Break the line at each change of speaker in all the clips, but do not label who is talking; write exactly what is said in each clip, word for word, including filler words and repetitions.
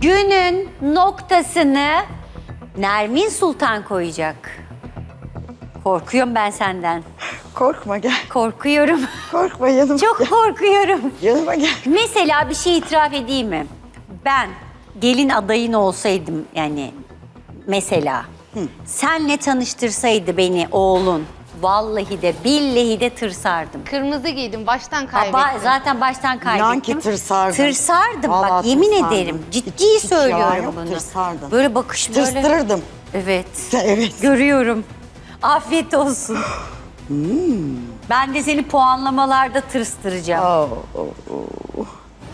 Günün noktasını Nermin Sultan koyacak. Korkuyorum ben senden.
Korkma gel.
Korkuyorum.
Korkma yanıma
Çok
gel.
korkuyorum.
Yanıma gel.
Mesela bir şey itiraf edeyim mi? Ben gelin adayın olsaydım yani mesela senle tanıştırsaydı beni oğlun vallahi de billahi de tırsardım.
Kırmızı giydim, baştan
Aba,
kaybettim.
zaten baştan kaybettim.
İnan ki tırsardım.
Tırsardım bak
Vallahi
yemin
tırsardım.
ederim. Ciddi
Hiç- hiç yalan
söylüyorum
yok,
bunu.
tırsardım.
Böyle bakış böyle.
Tırstırırdım.
Evet.
Evet.
Görüyorum. Afiyet olsun. Ben de seni puanlamalarda tırstıracağım.
Oh, oh, oh.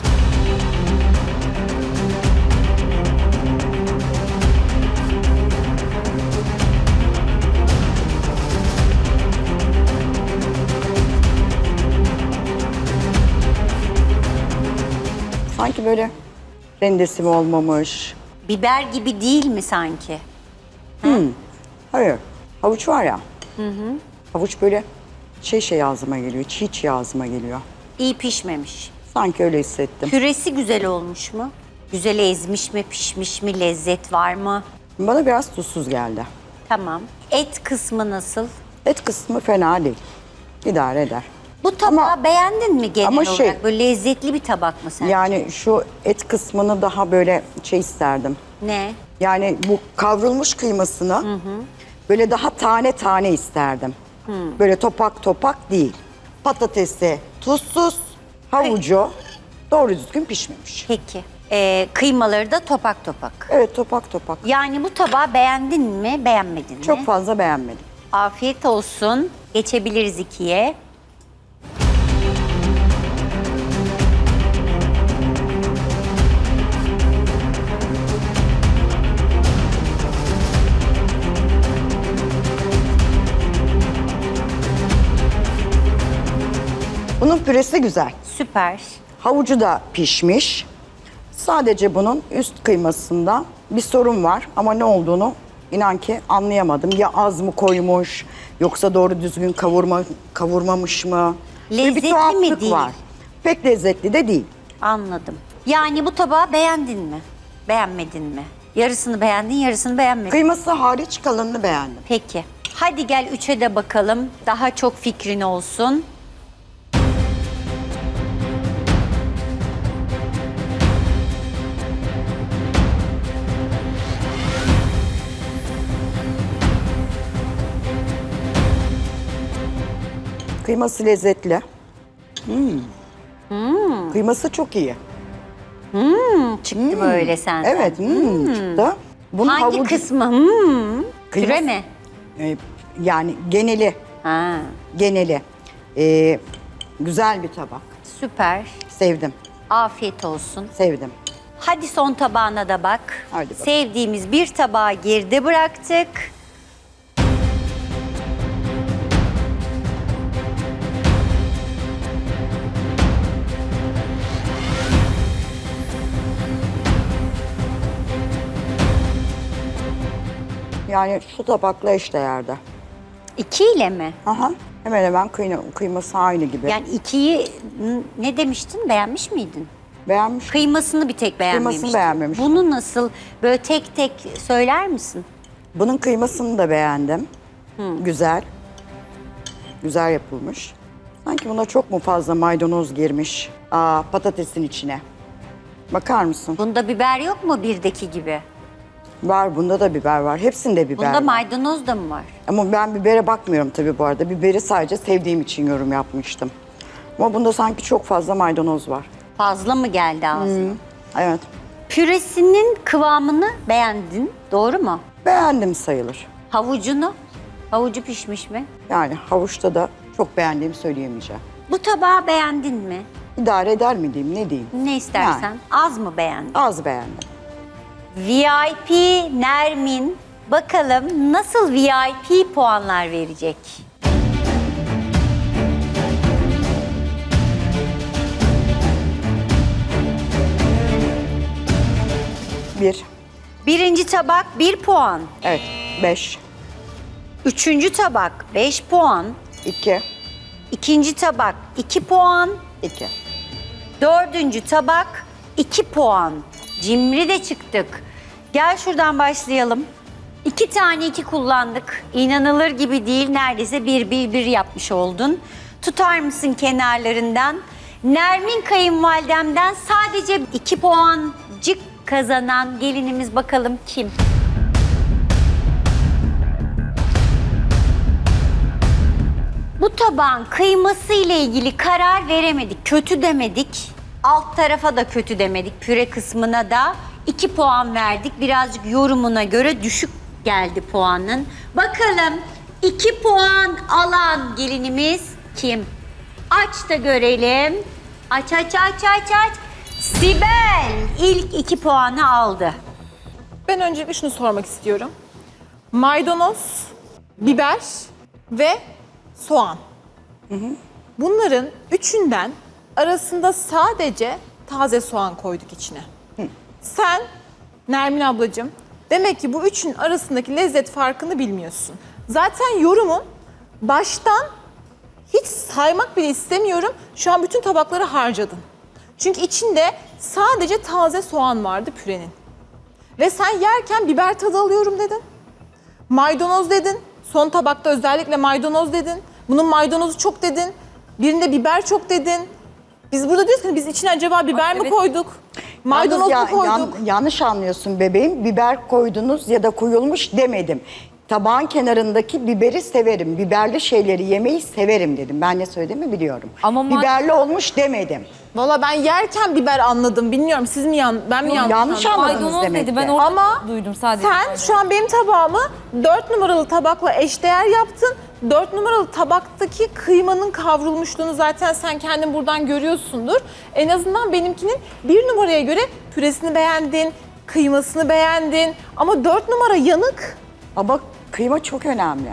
Sanki böyle rendesi mi olmamış?
Biber gibi değil mi sanki?
Hayır. Havuç var ya. Havuç böyle şey şey ağzıma geliyor. Çiğ çiğ ağzıma geliyor.
İyi pişmemiş.
Sanki öyle hissettim.
Püresi güzel olmuş mu? Güzel ezmiş mi, pişmiş mi, lezzet var mı?
Bana biraz tuzsuz geldi.
Tamam. Et kısmı nasıl?
Et kısmı fena değil. İdare eder.
Bu tabağı
Ama-
beğendin mi genel
ama
olarak?
şey-
Böyle lezzetli bir tabak mı sen?
Yani şu et kısmını daha böyle şey isterdim.
Ne?
Yani bu kavrulmuş kıymasını böyle daha tane tane isterdim. Böyle topak topak değil. Patatesi tuzsuz, havucu doğru düzgün pişmemiş.
Peki. Ee, kıymaları da topak topak.
Evet topak topak.
Yani bu tabağı beğendin mi, beğenmedin mi?
Çok fazla beğenmedim.
Afiyet olsun. Geçebiliriz ikiye.
Bunun püresi güzel.
Süper.
Havucu da pişmiş. Sadece bunun üst kıymasında bir sorun var ama ne olduğunu inan ki anlayamadım. Ya az mı koymuş yoksa doğru düzgün kavurma kavurmamış mı? Böyle
Lezzetli
bir tuhaflık
mi değil?
var. Pek lezzetli de değil.
Anladım. Yani bu tabağı beğendin mi? Beğenmedin mi? Yarısını beğendin, yarısını beğenmedin.
Kıyması hariç kalanını beğendim.
Peki. Hadi gel üçe de bakalım. Daha çok fikrin olsun.
Kıyması lezzetli. Hmm. Kıyması çok iyi.
Çıktı böyle senden.
Evet, hmm, çıktı. Bunun
Hangi
havucu-
kısmı? Hmm. Püre
Kıyması-
mi?
e, yani geneli,
Ha,
geneli. E, güzel bir tabak.
süper.
Sevdim,
Afiyet olsun.
sevdim.
Hadi son tabağına da bak.
Hadi bakalım.
Sevdiğimiz bir tabağı geride bıraktık.
Yani şu tabakla eşdeğerde.
İki ile mi?
Aha, hemen hemen kıyma, kıyması aynı gibi.
Yani ikiyi n- ne demiştin? Beğenmiş miydin?
Beğenmiş.
Kıymasını bir tek beğenmemiştin.
Kıymasını beğenmemiş.
Bunu nasıl böyle tek tek söyler misin?
Bunun kıymasını da beğendim. Güzel. Güzel yapılmış. Sanki buna çok mu fazla maydanoz girmiş? Aa, patatesin içine. Bakar mısın?
Bunda biber yok mu birdeki gibi?
Var, bunda da biber var. Hepsinde biber
Bunda
var.
maydanoz da mı var?
Ama ben bibere bakmıyorum tabii bu arada. Biberi sadece sevdiğim için yorum yapmıştım. Ama bunda sanki çok fazla maydanoz var.
Fazla mı geldi ağzına?
Evet.
Püresinin kıvamını beğendin, doğru mu?
Beğendim sayılır.
Havucunu, havucu pişmiş mi?
Yani havuçta da çok beğendiğimi söyleyemeyeceğim.
Bu tabağı beğendin mi?
İdare eder mi diyeyim, ne diyeyim?
Ne istersen.
Yani.
Az mı beğendin?
Az beğendim.
V I P Nermin, bakalım nasıl V I P puanlar verecek?
Bir.
Birinci tabak bir puan.
Evet. Beş.
Üçüncü tabak beş puan.
İki.
İkinci tabak iki puan.
İki.
Dördüncü tabak iki puan. Cimri de çıktık. Gel şuradan başlayalım. İki tane iki kullandık. İnanılır gibi değil. Neredeyse bir bir bir yapmış oldun. Tutar mısın kenarlarından? Nermin kayınvalidemden sadece iki puancık kazanan gelinimiz bakalım kim? Bu tabağın kıyması ile ilgili karar veremedik. Kötü demedik. Alt tarafa da kötü demedik. Püre kısmına da iki puan verdik. Birazcık yorumuna göre düşük geldi puanın. Bakalım iki puan alan gelinimiz kim? Aç da görelim. Aç aç aç aç aç. Sibel ilk iki puanı aldı.
Ben öncelikle şunu sormak istiyorum. Maydanoz, biber ve soğan. Bunların üçünden arasında sadece taze soğan koyduk içine. Sen Nermin ablacığım demek ki bu üçün arasındaki lezzet farkını bilmiyorsun. Zaten yorumun baştan hiç saymak bile istemiyorum. Şu an bütün tabakları harcadın. Çünkü içinde sadece taze soğan vardı pürenin. Ve sen yerken biber tadı alıyorum dedin. Maydanoz dedin. Son tabakta özellikle maydanoz dedin. Bunun maydanozu çok dedin. Birinde biber çok dedin. Biz burada diyoruz ki biz içine acaba biber mi koyduk? Maydanoz
Yalnız
mu
ya-
koyduk?
yan- yanlış anlıyorsun bebeğim. Biber koydunuz ya da koyulmuş demedim. Tabağın kenarındaki biberi severim. Biberli şeyleri yemeyi severim dedim. Ben ne söylediğimi biliyorum.
Ama ma-
Biberli olmuş demedim.
Valla ben yerken biber anladım. Bilmiyorum siz mi yan, ben mi yanlış,
yanlış
anladım?
anladınız
Maydanoz
demek
dedi.
ki.
Ben orada
Ama
duydum sadece.
sen şu an benim tabağımı dört numaralı tabakla eşdeğer yaptın. dört numaralı tabaktaki kıymanın kavrulmuşluğunu zaten sen kendin buradan görüyorsundur. En azından benimkinin bir numaraya göre püresini beğendin, kıymasını beğendin. Ama dört numara yanık.
Ama kıyma çok önemli.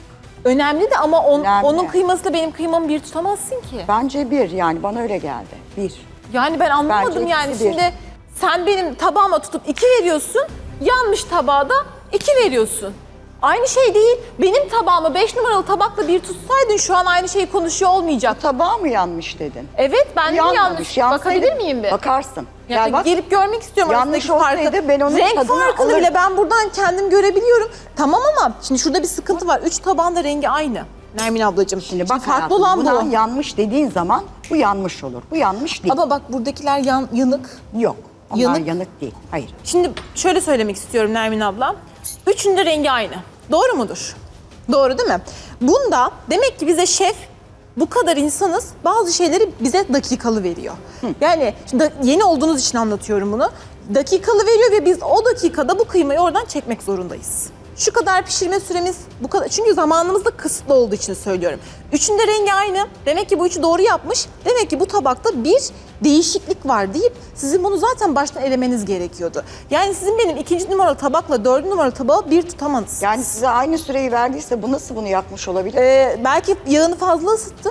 Önemli de ama on-
Önemli.
onun kıymasıyla benim kıymamı bir tutamazsın ki.
Bence bir, yani bana öyle geldi. Bir.
Yani ben anlamadım
Bence
yani
ikisi bir.
şimdi sen benim tabağıma tutup iki veriyorsun, yanmış tabağa da iki veriyorsun. Aynı şey değil. Benim tabağımı beş numaralı tabakla bir tutsaydın şu an aynı şeyi konuşuyor olmayacak.
Tabağı mı yanlış dedin?
Evet ben de
Yanmamış,
yanlış.
yansaydı-
Bakabilir miyim bir?
Bakarsın.
Yani
Gel bak.
gelip görmek istiyorum
Yanlış
arasındaki farkı.
olsaydı ben onun
Renk
tadını
farkını
alırdım.
bile ben buradan kendim görebiliyorum. Tamam ama şimdi şurada bir sıkıntı var. Üç tabağın da rengi aynı. Nermin ablacığım.
Şimdi bak
farklı
hayatım,
olan
buna
bu.
yanlış dediğin zaman bu yanlış olur. Bu yanlış değil.
Ama bak buradakiler yan, yanık.
Yok. Onlar
Yanık.
yanık değil. Hayır.
Şimdi şöyle söylemek istiyorum Nermin ablam. Üçünün de rengi aynı. Doğru mudur? Doğru değil mi? Bunda demek ki bize şef bu kadar insanız bazı şeyleri bize dakikalı veriyor. Yani şimdi da- yeni olduğunuz için anlatıyorum bunu. Dakikalı veriyor ve biz o dakikada bu kıymayı oradan çekmek zorundayız. Şu kadar pişirme süremiz bu kadar. Çünkü zamanımız da kısıtlı olduğu için söylüyorum. Üçünde rengi aynı. Demek ki bu üçü doğru yapmış. Demek ki bu tabakta bir değişiklik var deyip sizin bunu zaten baştan elemeniz gerekiyordu. Yani sizin benim ikinci numaralı tabakla dördüncü numaralı tabağı bir tutamadınız.
Yani size aynı süreyi verdiyse bu nasıl bunu yapmış olabilir?
Ee, belki yağını fazla ısıttı.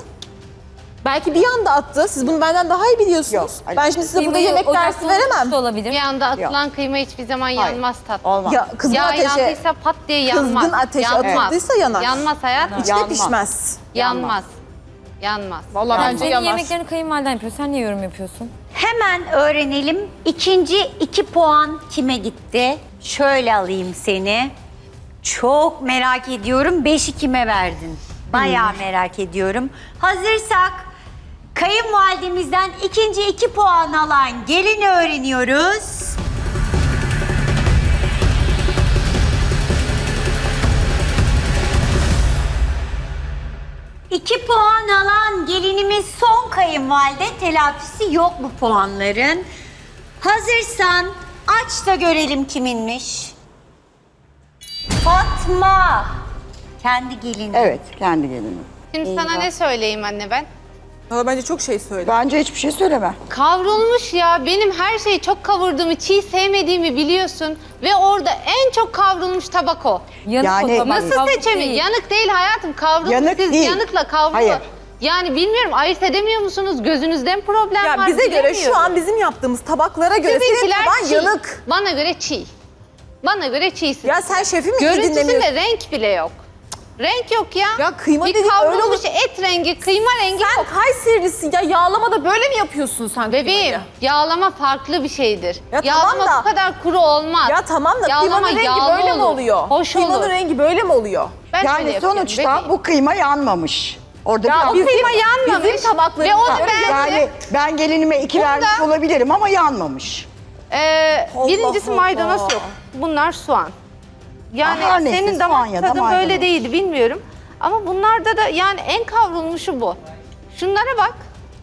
Belki bir anda attı. Siz bunu benden daha iyi biliyorsunuz.
Yok, hayır.
Ben şimdi size burada
Kıymayı
yemek
ocakta
dersi veremem.
unutmuş da olabilir.
Bir anda atılan kıyma hiçbir zaman
Hayır.
yanmaz tatlım.
Olmaz.
Ya kızgın
Yağ
ateşe,
yandıysa pat diye yanmaz.
kızgın ateşe
yanmaz.
atıldıysa yanar.
Yanmaz hayatım.
İçte
Yanmaz.
pişmez.
Yanmaz. Yanmaz.
Vallahi
Yani
bence
senin
yanar.
yemeklerini kayınvaliden yapıyor. Sen niye yorum yapıyorsun?
Hemen öğrenelim. İkinci iki puan kime gitti? Şöyle alayım seni. Çok merak ediyorum. Beşi kime verdin? Bayağı merak ediyorum. Hazırsak kayınvalidemizden ikinci iki puan alan gelini öğreniyoruz. İki puan alan gelinimiz son kayınvalide. Telafisi yok bu puanların. Hazırsan aç da görelim kiminmiş. Fatma. Kendi gelini.
Evet, kendi gelinim.
Şimdi sana ne söyleyeyim anne ben?
Valla bence çok şey söyledi.
Bence hiçbir şey söyleme.
Kavrulmuş ya. Benim her şeyi çok kavurduğumu, çiğ sevmediğimi biliyorsun. Ve orada en çok kavrulmuş tabak o.
Yanık
Yani-
o tabak.
Nasıl
Kavruk
seçemiyor?
değil.
Yanık değil hayatım. Kavrulmuş.
Yanık
Siz
değil.
yanıkla kavrulu.
Hayır.
Yani bilmiyorum ayırt edemiyor musunuz? Gözünüzden problem
Ya
var.
bize göre şu
bilemiyorum.
an bizim yaptığımız tabaklara göre senin
Sizinkiler
taban
çiğ.
yanık.
Bana göre çiğ. Bana göre çiğsin.
Ya sen şefi mi iyi
Görüntüsünde
dinlemiyorsun?
renk bile yok. Renk yok ya.
Ya kıyma
bir
dediğin öyle
kavrulmuş
olur.
et rengi, kıyma rengi
Sen
yok.
Kayserilisin ya, yağlamada böyle mi yapıyorsun sen
Bebeğim,
kıymayı?
yağlama farklı bir şeydir.
Ya
yağlama
tamam da-
bu kadar kuru olmaz.
Ya tamam da
Yağlama
kıymanın rengi
yağlı
böyle mi
olur,
oluyor?
Hoş
Kıymanın
olur.
rengi böyle mi oluyor?
Ben öyle
Yani
yapıyorum
sonuçta
bebeğim.
bu kıyma yanmamış. Orada
Ya
biraz...
o kıyma
Bizim-
yanmamış.
bizim
tabaklarımız
Ve onu
var.
ben-
Yani ben gelinime iki
Bunda-
vermiş olabilirim ama yanmamış.
Ee,
Allah
birincisi
Allah.
maydanoz yok. Bunlar soğan. Yani
Ah, her neyse,
senin
soğan
damak
ya da
tadın
maydanoz.
böyle değildi bilmiyorum. Ama bunlarda da yani en kavrulmuşu bu. Şunlara bak.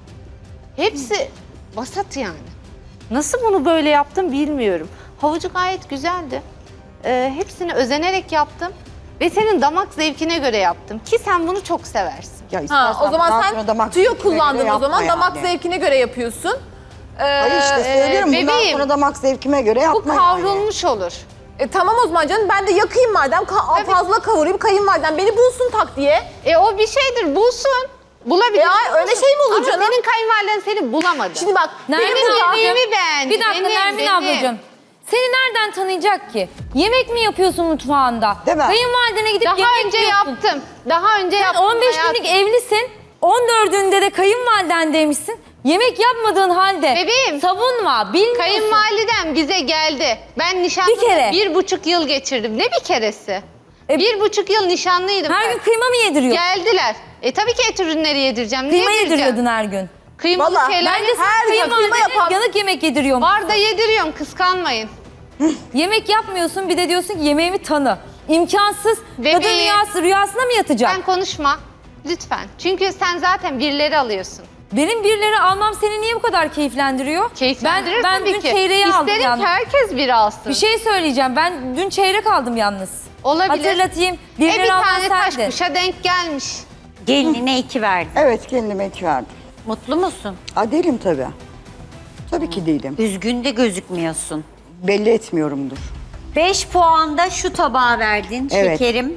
Hepsi vasat yani. Nasıl bunu böyle yaptım bilmiyorum. Havucu gayet güzeldi. Ee, hepsini özenerek yaptım. Ve senin damak zevkine göre yaptım. Ki sen bunu çok seversin.
Ya
Ha,
istersen
o zaman
bundan
sen
sonra damak
tüyo
zevkine göre
kullandın o
yapma
zaman. Damak
yani.
zevkine göre yapıyorsun. Ee,
Hayır işte
Ee,
söylüyorum bundan
bebeğim,
sonra damak zevkime göre
Bu
yapma yani.
kavrulmuş olur.
E, tamam o zaman canım, ben de yakayım madem, ka-
Tabii.
fazla kavurayım, kayınvalidem beni bulsun tak diye.
E o bir şeydir, bulsun. Bulabilir.
Ya, öyle şey mi olur
Ama
canım?
senin kayınvaliden seni bulamadı.
Şimdi bak,
Nermin
benim burada...
ablacığım,
yemeğimi beğendi,
Bir dakika
benim,
Nermin
benim.
ablacığım. Seni nereden tanıyacak ki? Yemek mi yapıyorsun mutfağında?
Değil mi?
Kayınvalidene gidip
Daha
yemek
önce
yiyorsun.
yaptım. Daha önce
Sen
yaptım.
on beş
hayatım.
günlük evlisin. on dördünde de kayınvaliden demişsin. Yemek yapmadığın halde
Bebeğim,
savunma, bilmiyorsun.
Kayınvalidem bize geldi. Ben nişanlıda
Bir kere.
bir buçuk yıl geçirdim. Ne bir keresi?
E,
bir buçuk yıl nişanlıydım
Her
ben.
gün kıyma mı yediriyor?
Geldiler. E tabii ki et ürünleri yedireceğim. Niye
Kıyma
yedireceğim?
yediriyordun her gün.
Kıymalı
Vallahi
şeyler
Bence sen
Her gün kıyma
kayınvalidene
yapan-
yanık yemek yediriyorsun.
var da yediriyorum. Kıskanmayın.
Yemek yapmıyorsun, bir de diyorsun ki yemeğimi tanı. İmkansız.
Bebeğim.
Kadın rüyası, rüyasına mı yatacak?
Sen konuşma. Lütfen. Çünkü sen zaten birileri alıyorsun.
Benim birileri almam seni niye bu kadar keyiflendiriyor?
Keyiflendirir
ben, ben
tabii
dün
ki.
çeyreği aldım
İsterim
yalnız.
ki herkes biri alsın.
Bir şey söyleyeceğim. Ben dün çeyrek aldım yalnız.
Olabilir.
Hatırlatayım.
E
Birileri
bir
alman
tane taş
sendin.
kuşa denk gelmiş.
Gelinine iki verdin.
Evet kendime iki verdim.
Mutlu musun?
Aa, değilim tabii. Tabii ki değilim.
Üzgün de gözükmüyorsun.
Belli etmiyorumdur.
Beş puanda şu tabağa verdin
Evet.
şekerim.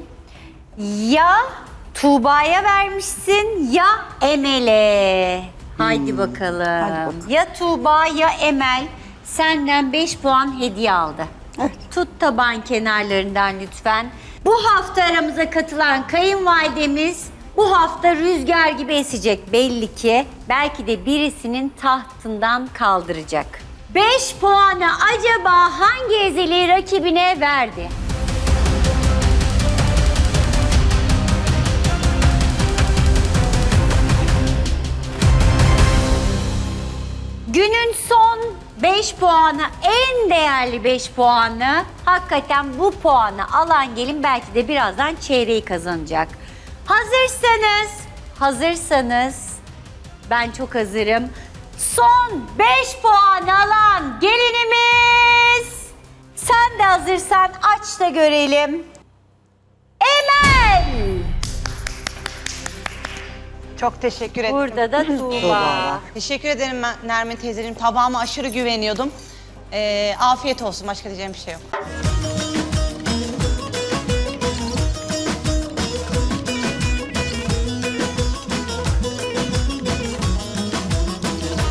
Ya Tuğba'ya vermişsin ya Emel'e. Haydi bakalım.
Hadi bakalım.
Ya Tuğba ya Emel senden beş puan hediye aldı.
Evet.
Tut taban kenarlarından lütfen. Bu hafta aramıza katılan kayınvalidemiz bu hafta rüzgar gibi esecek belli ki. Belki de birisinin tahtından kaldıracak. beş puanı acaba hangi ezeli rakibine verdi? Günün son beş puanı, en değerli beş puanı, hakikaten bu puanı alan gelin belki de birazdan çeyreği kazanacak. Hazırsanız, hazırsanız ben çok hazırım. Son beş puan alan gelinimiz. Sen de hazırsan aç da görelim. Emel.
Çok teşekkür ederim.
Burada da Tuğba.
Teşekkür ederim ben Nermin teyzeciğim. Tabağıma aşırı güveniyordum. Ee, afiyet olsun. Başka diyeceğim bir şey yok.